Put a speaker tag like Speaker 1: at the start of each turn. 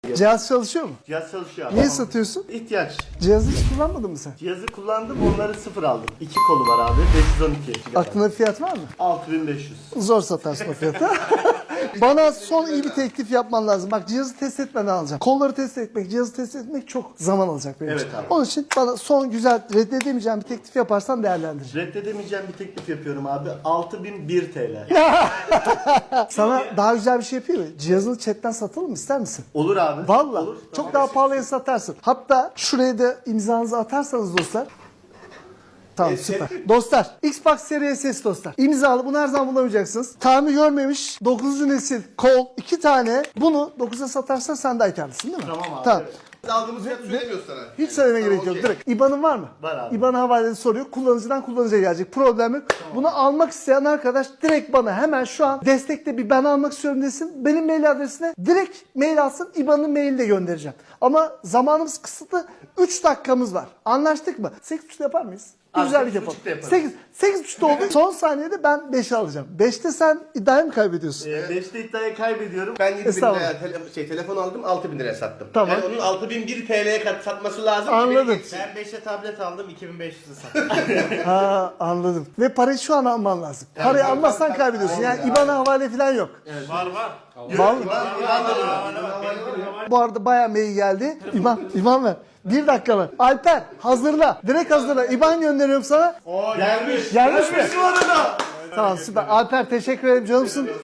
Speaker 1: Cihaz çalışıyor mu?
Speaker 2: Cihaz çalışıyor abi.
Speaker 1: Niye satıyorsun?
Speaker 2: İhtiyaç.
Speaker 1: Cihazı hiç kullanmadın mı sen?
Speaker 2: Cihazı kullandım, onları sıfır aldım. 2 kolu var abi, 512 GB.
Speaker 1: Aklında bir fiyat var mı?
Speaker 2: 6500.
Speaker 1: Zor satarsın o fiyata. Bana son iyi bir teklif yapman lazım. Bak cihazı test etmeden alacağım. Kolları test etmek, cihazı test etmek çok zaman alacak benim
Speaker 2: Evet
Speaker 1: için.
Speaker 2: abi.
Speaker 1: Onun için bana son güzel reddedemeyeceğim bir teklif yaparsan değerlendireceğim.
Speaker 2: Reddedemeyeceğim bir teklif yapıyorum abi. 6001 TL.
Speaker 1: Sana daha güzel bir şey yapayım mı? Cihazını chatten satalım mı, ister misin?
Speaker 2: Olur abi.
Speaker 1: Valla
Speaker 2: Olur.
Speaker 1: çok daha pahalıya satarsın. Hatta şuraya da imzanızı atarsanız dostlar. Tamam süper. Dostlar Xbox Series S dostlar. İmzalı, bunu her zaman bulamayacaksınız. Tamir görmemiş 9. nesil kol 2 tane. Bunu 9'a satarsan sen de karlısın değil mi?
Speaker 2: Tamam abi,
Speaker 1: Tamam.
Speaker 2: evet.
Speaker 3: Aldığımız fiyatı söylemiyoruz sana.
Speaker 1: Hiç söylemeye gerek yok.
Speaker 3: okey.
Speaker 1: Direkt. İBAN'ın var mı?
Speaker 2: Var abi.
Speaker 1: İBAN havalesi soruyor. Kullanıcıdan kullanıcıya gelecek. Problem yok. Bunu almak isteyen arkadaş direkt bana hemen şu an destekte bir ben almak istiyorum desin. Benim mail adresine direkt mail alsın. İBAN'ın maili de göndereceğim. Ama zamanımız kısıtlı. 3 dakikamız var. Anlaştık mı? 8.30'da yapar mıyız? Bir
Speaker 2: Abi,
Speaker 1: güzellik
Speaker 2: 8.30'da
Speaker 1: yapalım.
Speaker 2: yaparız.
Speaker 1: 8.30'da oldu. Son saniyede ben 5'i alacağım. 5'te sen iddiayı mı kaybediyorsun?
Speaker 2: 5'te iddiayı kaybediyorum.
Speaker 3: Ben 7.000
Speaker 1: Estağfurullah.
Speaker 3: liraya telefon aldım, 6.000 liraya sattım.
Speaker 1: Tamam.
Speaker 3: Yani onun 6.001 TL'ye satması lazım. ki
Speaker 1: Anladım.
Speaker 3: beni geçsin.
Speaker 4: Ben 5'e tablet aldım, 2500'e sattım.
Speaker 1: Ha anladım. Ve parayı şu an alman lazım. Parayı
Speaker 3: tabii,
Speaker 1: almazsan
Speaker 3: tabii,
Speaker 1: kaybediyorsun. Yani
Speaker 3: aynen.
Speaker 1: İBAN'a havale falan yok.
Speaker 4: Var var.
Speaker 1: Var mı?
Speaker 4: Benim
Speaker 1: Bu arada bayağı mail geldi. İban ver. 1 dakika var. Alper hazırla. Direkt hazırla. İban gönderiyorum sana.
Speaker 2: Gelmiş.
Speaker 1: Gelmiş mi?
Speaker 2: Bu arada.
Speaker 1: Tamam süper. Alper teşekkür ederim canımsın.